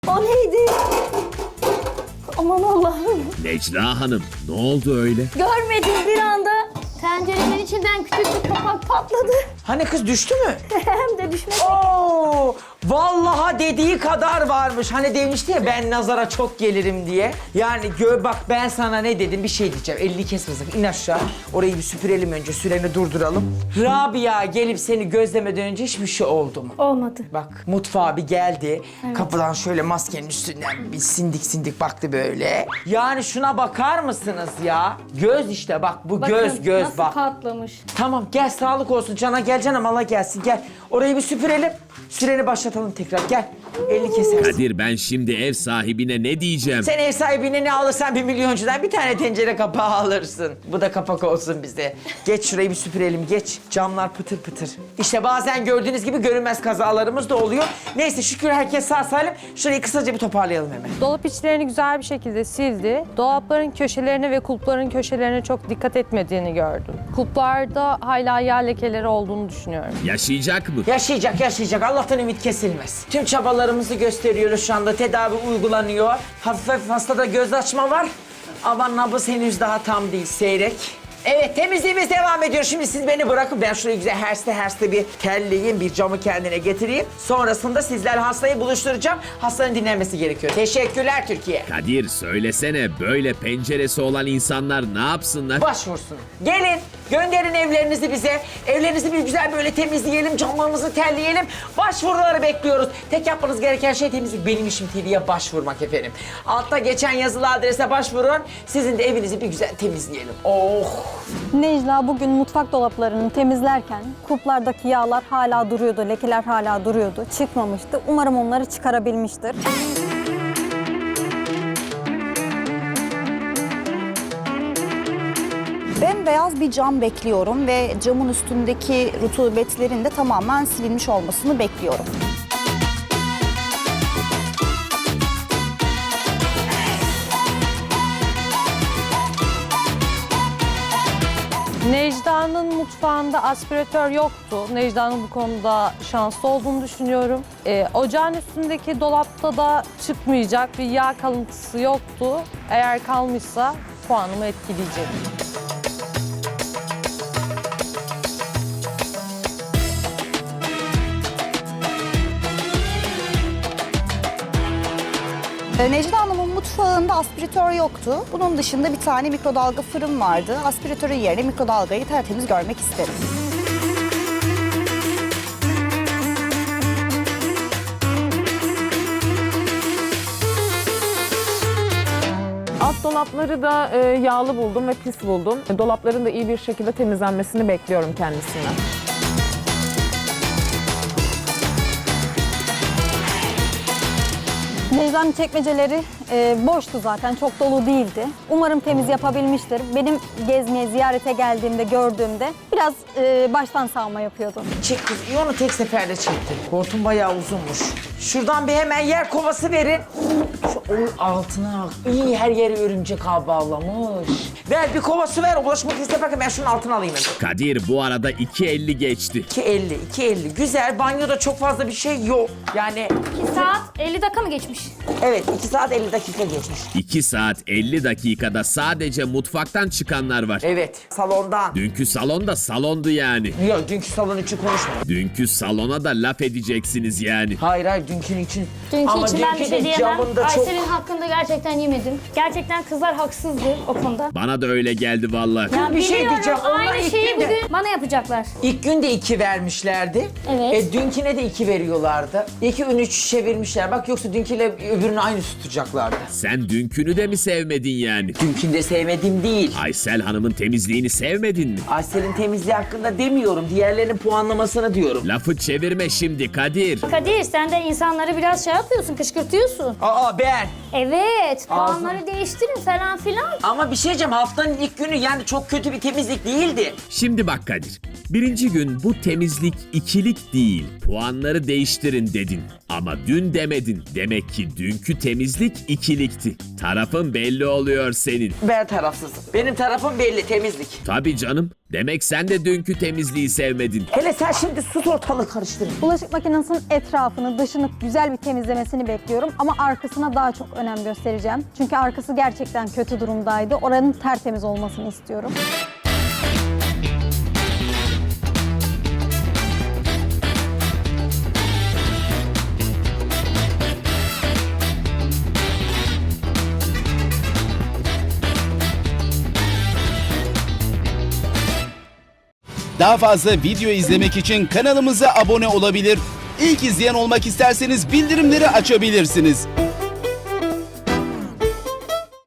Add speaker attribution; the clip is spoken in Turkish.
Speaker 1: O neydi? Aman Allah'ım.
Speaker 2: Necla Hanım, ne oldu öyle?
Speaker 1: Görmedim bir anda. Tencerenin içinden küçük bir kapak patladı.
Speaker 3: Hani kız düştü mü?
Speaker 1: Hem de düşmedi.
Speaker 3: Oo, vallahi dediği kadar varmış. Hani demişti ya ben nazara çok gelirim diye. Yani bak ben sana ne dedim bir şey diyeceğim. Elini kesmesin. İn aşağı. Orayı bir süpürelim önce. Süreni durduralım. Rabia gelip seni gözlemeden önce hiçbir şey oldu mu?
Speaker 1: Olmadı.
Speaker 3: Bak mutfağa bir geldi. Kapıdan şöyle maskenin üstünden bir sindik baktı böyle. Yani şuna bakar mısınız ya? Göz işte bak bu
Speaker 1: Bakın,
Speaker 3: göz
Speaker 1: nasıl
Speaker 3: bak.
Speaker 1: patlamış.
Speaker 3: Tamam gel sağlık olsun cana gel canım Allah gelsin gel. Orayı bir süpürelim. Süreni başlatalım tekrar gel. Elini kesersin.
Speaker 2: Kadir, ben şimdi ev sahibine ne diyeceğim?
Speaker 3: Sen ev sahibine ne alırsan 1 milyoncudan bir tane tencere kapağı alırsın. Bu da kapak olsun bize. Geç şurayı bir süpürelim geç. Camlar pıtır pıtır. İşte bazen gördüğünüz gibi görünmez kazalarımız da oluyor. Neyse şükür herkes sağ salim. Şurayı kısaca bir toparlayalım hemen.
Speaker 4: Dolap içlerini güzel bir şekilde sildi. Dolapların köşelerine ve kulpların köşelerine çok dikkat etmediğini gördüm. Kulplarda hala yağ lekeleri olduğunu düşünüyorum.
Speaker 2: Yaşayacak mı?
Speaker 3: Yaşayacak. Allah'tan ümit kesilmez. Tüm çabalarımızı gösteriyoruz şu anda. Tedavi uygulanıyor. Hafif hastada göz açma var. Ama nabız henüz daha tam değil. Seyrek. Evet temizliğimiz devam ediyor. Şimdi siz beni bırakın. Ben şurayı güzel herste bir telleyeyim. Bir camı kendine getireyim. Sonrasında sizler hastayı buluşturacağım. Hastanın dinlenmesi gerekiyor. Teşekkürler Türkiye.
Speaker 2: Kadir, söylesene, böyle penceresi olan insanlar ne yapsınlar?
Speaker 3: Başvursun. Gelin gönderin evlerinizi bize. Evlerinizi bir güzel böyle temizleyelim. Camlarımızı terleyelim. Başvuruları bekliyoruz. Tek yapmanız gereken şey temizlik. Benim işim TV'ye başvurmak efendim. Altta geçen yazılı adrese başvurun. Sizin de evinizi bir güzel temizleyelim. Oh!
Speaker 5: Necla bugün mutfak dolaplarını temizlerken kulplardaki yağlar hala duruyordu, lekeler hala duruyordu. Çıkmamıştı. Umarım onları çıkarabilmiştir.
Speaker 6: Bembeyaz bir cam bekliyorum ve camın üstündeki rutubetlerin de tamamen silinmiş olmasını bekliyorum.
Speaker 4: Necla'nın mutfağında aspiratör yoktu. Necla'nın bu konuda şanslı olduğunu düşünüyorum. Ocağın üstündeki dolapta da çıkmayacak bir yağ kalıntısı yoktu. Eğer kalmışsa puanımı etkileyecek.
Speaker 6: Necla Hanım'ın mutfağında aspiratör yoktu. Bunun dışında bir tane mikrodalga fırın vardı. Aspiratörün yerine mikrodalgayı tertemiz görmek isterim.
Speaker 7: Alt dolapları da yağlı buldum ve pis buldum. Dolapların da iyi bir şekilde temizlenmesini bekliyorum kendisinden.
Speaker 5: Necla'nın çekmeceleri boştu zaten, çok dolu değildi. Umarım temiz yapabilmiştir. Benim gezmeye, ziyarete geldiğimde, gördüğümde biraz baştan sağma yapıyordu.
Speaker 3: Çek kız. İyi onu tek seferde çektim. Hortum bayağı uzunmuş. Şuradan bir hemen yer kovası verin. Şu onun altına iyi her yeri örümcek ağı bağlamış. Ver bir kovası ver. Ulaşmak istedim. Ben şunun altına alayım hemen.
Speaker 2: Kadir, bu arada 2.50 geçti.
Speaker 3: 2.50. Güzel. Banyoda çok fazla bir şey yok. Yani
Speaker 1: 2 saat 50 dakika mı geçmiş?
Speaker 3: evet 2 saat 50 dakika geçmiş.
Speaker 2: 2 saat 50 dakikada sadece mutfaktan çıkanlar var.
Speaker 3: Evet salondan.
Speaker 2: Dünkü salon da salondu yani.
Speaker 3: Yok dünkü salon için konuşma.
Speaker 2: Dünkü salona da laf edeceksiniz yani.
Speaker 3: Hayır dünkünün için.
Speaker 1: Dünkü
Speaker 3: Ama
Speaker 1: için ben bir
Speaker 3: dünkü
Speaker 1: şey
Speaker 3: de
Speaker 1: diyemem.
Speaker 3: camında çok...
Speaker 1: Aysel'in hakkında gerçekten yemedim. Gerçekten kızlar haksızdı o konuda.
Speaker 2: Bana da öyle geldi vallahi.
Speaker 1: Ya
Speaker 3: bir şey
Speaker 1: biliyorum,
Speaker 3: diyeceğim, onlar
Speaker 1: aynı
Speaker 3: ilk
Speaker 1: şeyi
Speaker 3: günde-
Speaker 1: bugün bana yapacaklar.
Speaker 3: İlk gün de 2 vermişlerdi.
Speaker 1: Evet.
Speaker 3: Dünküne de 2 veriyorlardı. 2-3 çevirmişler. Bak yoksa dünküyle öbürünü aynı tutacaklardı.
Speaker 2: Sen dünkünü de mi sevmedin yani?
Speaker 3: Dünkünü de sevmediğim değil.
Speaker 2: Aysel Hanım'ın temizliğini sevmedin mi?
Speaker 3: Aysel'in temizliği hakkında demiyorum. Diğerlerinin puanlamasını diyorum.
Speaker 2: Lafı çevirme şimdi Kadir.
Speaker 1: Kadir sen de insanları biraz şey yapıyorsun, kışkırtıyorsun.
Speaker 3: Aa ben.
Speaker 1: Evet,
Speaker 3: Ağzım.
Speaker 1: puanları değiştirin falan filan.
Speaker 3: Ama bir şey diyeceğim haftanın ilk günü yani çok kötü bir temizlik değildi.
Speaker 2: Şimdi bak Kadir. Birinci gün bu temizlik ikilik değil. Puanları değiştirin dedin. Ama dün demedin. Demek ki Peki dünkü temizlik ikilikti. Tarafın belli oluyor senin.
Speaker 3: Ben tarafsızım. Benim tarafım belli, temizlik.
Speaker 2: Tabii canım. Demek sen de dünkü temizliği sevmedin.
Speaker 3: Hele sen şimdi sus, ortalığı karıştırın.
Speaker 5: Bulaşık makinesinin etrafını, dışını güzel bir temizlemesini bekliyorum. Ama arkasına daha çok önem göstereceğim. Çünkü arkası gerçekten kötü durumdaydı. Oranın tertemiz olmasını istiyorum.
Speaker 8: Daha fazla video izlemek için kanalımıza abone olabilir. İlk izleyen olmak isterseniz bildirimleri açabilirsiniz.